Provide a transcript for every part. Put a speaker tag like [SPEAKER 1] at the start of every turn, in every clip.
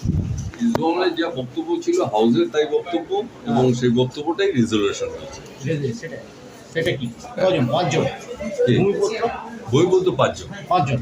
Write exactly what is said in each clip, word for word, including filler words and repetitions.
[SPEAKER 1] ইসলামের যা বক্তব্য ছিল হাউসের তাই বক্তব্য এবং সেই বক্তব্যটাই রিজলিউশন হয়েছে।
[SPEAKER 2] সেটা কি কজন? পাঁচজন ভূমিপুত্র
[SPEAKER 1] বইপুত্র পাঁচজন
[SPEAKER 2] পাঁচজন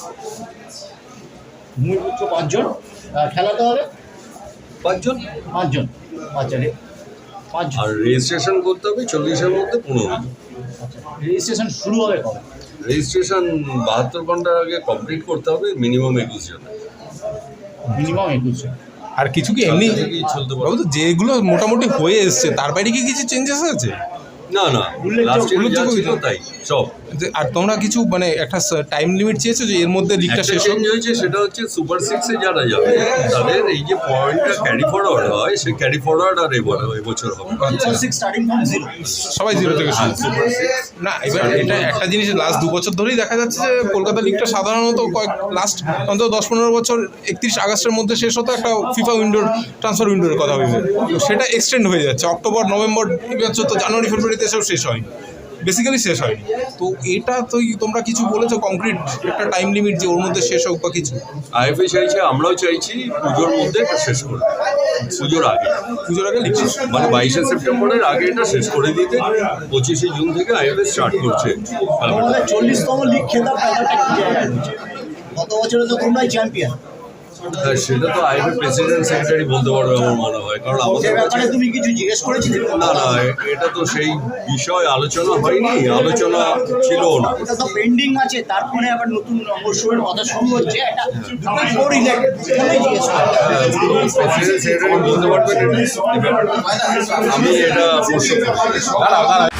[SPEAKER 2] ভূমিপুত্র পাঁচজন খেলাতে হবে
[SPEAKER 1] পাঁচজন
[SPEAKER 2] পাঁচজন আচ্ছা রে পাঁচজন
[SPEAKER 1] আর রেজিস্ট্রেশন করতে হবে চল্লিশের মধ্যে পনেরো জন।
[SPEAKER 2] আচ্ছা রেজিস্ট্রেশন শুরু হবে কবে?
[SPEAKER 1] রেজিস্ট্রেশন বাহাত্তর ঘন্টার আগে কমপ্লিট করতে হবে, মিনিমাম একুশ জন।
[SPEAKER 2] মিনিমাম একুশ জন।
[SPEAKER 3] আর কিছু কি এমনি
[SPEAKER 1] থেকেই চলতে পারে।
[SPEAKER 3] বাবু তো যেগুলো মোটামুটি হয়ে এসছে তার বাইরে কি কিছু চেঞ্জেস আছে?
[SPEAKER 1] না না, লাস্ট ইয়ার যা ছিল তাই সব।
[SPEAKER 3] যে- আর তোমরা কিছু মানে একটা টাইম লিমিট চেয়েছো যে এর মধ্যে লিগটা
[SPEAKER 1] একটা
[SPEAKER 3] শেষ
[SPEAKER 1] চেঞ্জ
[SPEAKER 3] হোক?
[SPEAKER 1] হয়েছে, সেটা হচ্ছে সুপার সিক্সে যারা যাবে তাদের এই যে পয়েন্টটা ক্যারি ফরওয়ার্ড হয়, সেই ক্যারি ফরওয়ার্ড আর এবার এবছর হবে।
[SPEAKER 2] Super six starting from zero.
[SPEAKER 3] সবাই জিরো থেকে শুরু।
[SPEAKER 1] সুপার সিক্স
[SPEAKER 3] না এবার এটা একটা জিনিস লাস্ট দু বছর ধরেই দেখা যাচ্ছে যে কলকাতা লিগটা সাধারণত কয়েক লাস্ট অন্তত দশ পনেরো বছর একত্রিশ আগস্টের মধ্যে শেষ হতো, একটা ফিফা উইন্ডোর ট্রান্সফার উইন্ডোর কথা ভেবে। তো সেটা এক্সটেন্ড হয়ে যাচ্ছে অক্টোবর নভেম্বর, এবছর তো জানুয়ারি ফেব্রুয়ারিতে এসেও শেষ হয়নি, বেসিক্যালি শেষ হয়নি। তো এটা তো তোমরা কিছু বলেছো কংক্রিট একটা টাইম লিমিট যে ওর মধ্যে শেষ হোক বা কিছু?
[SPEAKER 1] আইএফএ চাইছে, আমরাও চাইছি পুজোর মধ্যে এটা শেষ করে দিতে। পুজোর আগে,
[SPEAKER 3] পুজোর আগে লিগ শেষ।
[SPEAKER 1] মানে বাইশে সেপ্টেম্বরের আগে এটা শেষ করে দিতে। পঁচিশে জুন থেকে আইএফএ স্টার্ট করছে।
[SPEAKER 2] তোমাদের চল্লিশতম লিগ খেতাব ব্যাপারটা কি জায়গায় রয়েছে? গত বছরে তো তোমরাই চ্যাম্পিয়ন।
[SPEAKER 1] হ্যাঁ, সেটা তো আইএফএ প্রেসিডেন্ট সেক্রেটারি বলতে পারবে আমার মনে হয়, কারণ
[SPEAKER 2] সে
[SPEAKER 1] আমাদের কাছে
[SPEAKER 2] ব্যাপারে তুমি কিছু জিজ্ঞেস করেছিলে?
[SPEAKER 1] না না, এটা তো সেই বিষয় আলোচনা হয়নি, আলোচনা ছিলও না।
[SPEAKER 2] ওটা তো পেন্ডিং আছে, তারপরে আবার নতুন মরশুমের কথা শুরু হচ্ছে। একটা দুটো রিলেটেড জিজ্ঞেস করতে
[SPEAKER 1] প্রেসিডেন্ট সেক্রেটারি বলতে পারবেন এটা, এই ব্যাপারটা। আমি এটা প্রশ্ন করি।